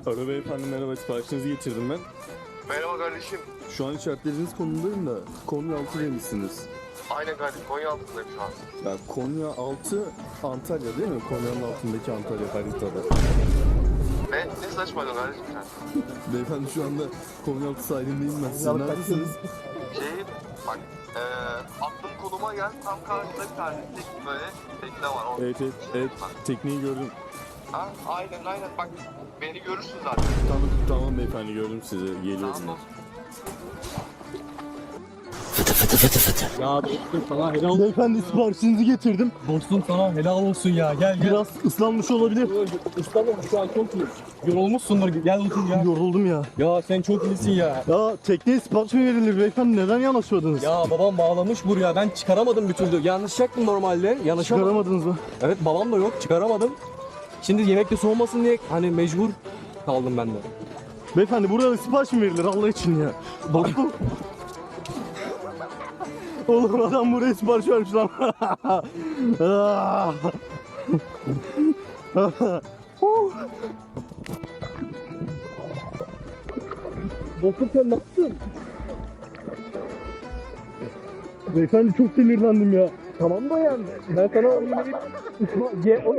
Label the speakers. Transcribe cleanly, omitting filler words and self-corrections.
Speaker 1: Alo beyefendi, merhaba, siparişinizi getirdim ben.
Speaker 2: Merhaba kardeşim.
Speaker 1: Şu an işaretlediğiniz konumdayım da Konyaaltı demişsiniz.
Speaker 2: Aynen kardeşim, Konyaaltı'ndayım şu an.
Speaker 1: Ya Konyaaltı Antalya değil mi? Konya'nın altındaki Antalya haritada.
Speaker 2: Ne saçmalıyorsun kardeşim sen?
Speaker 1: Beyefendi şu anda Konyaaltı sahilindeyim ben. Siz neredesiniz?
Speaker 2: Bak, attığım konuma gel, tam karşıda bir tane böyle tekne var.
Speaker 1: Evet,
Speaker 2: Bak.
Speaker 1: tekneyi gördüm.
Speaker 2: Ha, aynen bak, beni görürsün zaten.
Speaker 1: Tamam beyefendi, gördüm sizi. Geliyorum
Speaker 2: Tamam.
Speaker 1: ben.
Speaker 3: Ya dostum sana helal olsun.
Speaker 1: Beyefendi siparişinizi getirdim.
Speaker 3: Dostum sana helal olsun ya. Gel.
Speaker 1: Biraz ıslanmış olabilir.
Speaker 3: İstanbul şu an çok iyi. Yorulmuşsundur. Gel otur ya.
Speaker 1: Yoruldum ya.
Speaker 3: Ya sen çok iyisin ya.
Speaker 1: Ya tekneye sipariş mi verilir beyefendi? Neden yanaşıyordunuz?
Speaker 3: Ya babam bağlamış buraya. Ben çıkaramadım bir türlü. Yanlışacaktım normalde. Yanaşamadım.
Speaker 1: Çıkaramadınız mı?
Speaker 3: Evet babam da yok. Çıkaramadım. Şimdi yemekte soğumasın diye hani mecbur kaldım ben de.
Speaker 1: Beyefendi burada sipariş mi verilir Allah için ya? Dostum. Oğlum adam buraya sipariş vermiş lan.
Speaker 3: Dostum sen ne yaptın?
Speaker 1: Beyefendi çok sinirlendim ya.
Speaker 3: Tamam da yani. Ben sana